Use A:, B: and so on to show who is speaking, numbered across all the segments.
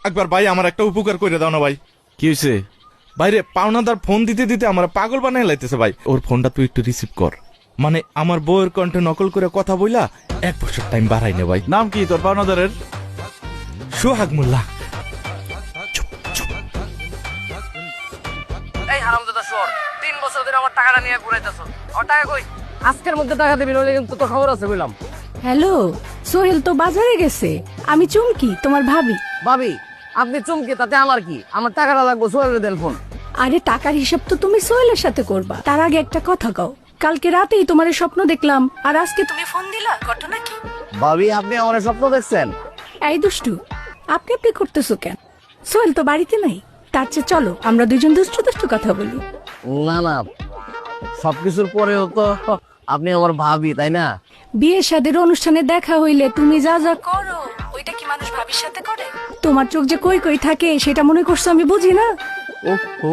A: একবার ভাই আমার একটা উপকার করে দাও না ভাই।
B: কি হয়েছে?
A: বাইরে পাওনাদার ফোন দিতে দিতে আমার পাগল বানাই লাইতেছে ভাই। ওর ফোনটা তুই একটু রিসিভ কর। মানে আমার বউয়ের কণ্ঠে নকল করে কথা বইলা 1 বছর টাইম বাড়াই নে ভাই।
B: নাম কি তোর পাওনাদারের?
A: সোহাগ মোল্লা।
C: এই হারামজাদা শোর, 3 বছর ধরে আমার টাকাটা নিয়ে ঘুরাইতেছ। আমার টাকা কই? আজকের মধ্যে টাকা দিবি, নইলে কিন্তু তোর খবর আছে বললাম।
D: হ্যালো, সোহেল তো বাজারে গেছে। আমি চুমকি, তোমার ভাবি।
C: ভাবি, আপনি চমকে তাতে আমার কি? আমার টাকাটা লাগবো, সোহেলের দেন ফোন।
D: আরে টাকার হিসাব তো তুমি সোহেলের সাথে করবা। তার আগে একটা কথা কও, কালকে রাতেই তোমার স্বপ্ন দেখলাম, আর আজকে তুমি ফোন দিলা, ঘটনা কি?
C: ভাবি, আপনি আমার স্বপ্ন দেখছেন?
D: এই দুষ্টু, আপনি আপনি করতেছো কেন? সোহেল তো বাড়িতে নাই। তার চেয়ে চলো আমরা দুজন দুষ্টু দুষ্টু কথা বলি।
C: না না, সবকিছুর পরেও তো আপনি আমার ভাবি, তাই না?
D: বিয়ে শাদীর অনুষ্ঠানে দেখা হইলে তুমি যা যা করো, ওইটা কি মানুষ ভাবির সাথে করে? তোমার চোখ যে কই কই থাকে সেটা মনে করছো আমি বুঝি না?
C: ওহো,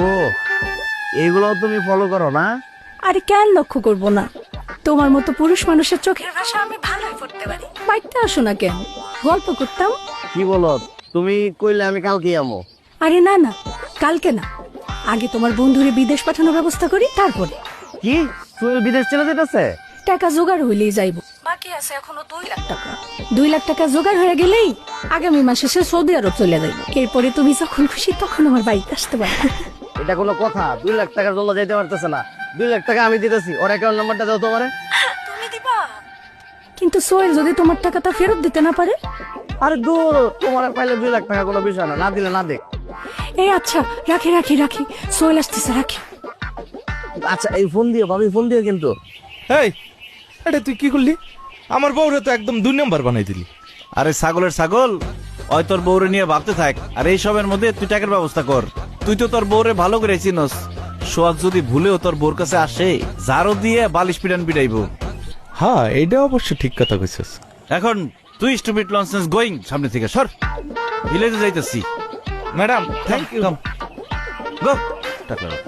C: এগুলো তুমি ফলো করো না?
D: আরে কেন লক্ষ্য করবো না? তোমার মতো পুরুষ মানুষের চোখের ভাষা আমি ভালোই পড়তে পারি। বাইকটা আসো না কেন, গল্প করতাম।
C: কি বলো তুমি? কইলে আমি কালকে আমো।
D: আরে না না, কালকে না, আগে তোমার বন্ধুরে বিদেশ পাঠানোর ব্যবস্থা করি, তারপরে।
C: কি সোহেল বিদেশ চলে যেতেছে?
D: টাকা জোগাড় হইলেই যাইব। বাকি আছে এখনো 2 লাখ টাকা। 2 লাখ টাকা জোগাড় হয়ে গেলেই আগামী মাসে সে সৌদি আরব চলে যাইব। এরপরে তুমি যখন খুশি তখন আমার বাড়িতে আসতে পারো।
C: এটা কোনো কথা? 2 লাখ টাকার জন্য যাইতে পারতেছে না। 2 লাখ টাকা আমি দিতেছি, ওর অ্যাকাউন্ট নাম্বারটা দাও তোমারে।
D: তুমি দিবা? কিন্তু সোহেল যদি তোমার টাকাটা ফেরত দিতে না পারে?
C: আরে দূর, তোমার পাইলে 2 লাখ টাকা কোনো বিষয় না, না দিলে না দেখ।
D: এই আচ্ছা, রাখি রাখি রাখি, সোহেল আসতেছে, রাখি।
C: আচ্ছা, এই ফোন দিও ভাবি, ফোন দিও কিন্তু।
A: এই, এটা তুই কি করলি? আমার বউরে তো একদম 2 নম্বর বানাই দিলি।
B: আরে ছাগলের ছাগল, ওই তোর বউরে নিয়ে ভাবতে থাক, আর এই সবের মধ্যে তুই টাকার ব্যবস্থা কর। তুই তো তোর বউরে ভালো করে চিনস। সোহাগ যদি ভুলেও তোর বউর কাছে আসে, জারো দিয়ে বালিশ পিটান পিটাইবো।
A: হ্যাঁ, এটা অবশ্য ঠিক কথা কইছিস।
B: এখন তুই স্টুপিড লনসেন্স গোয়িং, সামনে থেকে সর। ভিলেজে যাইতেছি।
A: Madam, thank you.
B: গো টাকা রাখ।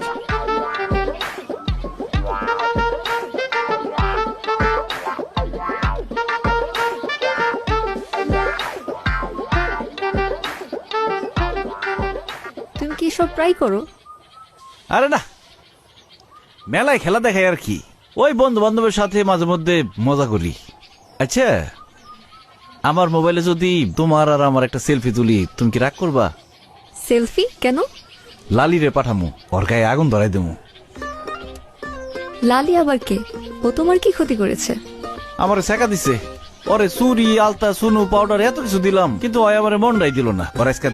E: তুমি কি সব ট্রাই করো?
B: আরে না, মেলায় খেলা দেখাই আর কি। ওই বন্ধু বান্ধবের সাথে মাঝে মধ্যে মজা করি। আচ্ছা, আমার মোবাইলে যদি তোমার আর আমার একটা সেলফি তুলি, তুমি কি রাগ করবা?
E: সেলফি কেন?
B: লালিরে পাঠামু, ওর গায়ে আগুন ধরাই দেবো।
E: লালি আবার কে? ও তোমার কি ক্ষতি করেছে?
B: আমার শেখা দিছে। ওরে চুরি, আলতা, সুনু, পাউডার এত কিছু দিলাম, কিন্তু ওই আমার মনটাই দিল না। ওর আজকে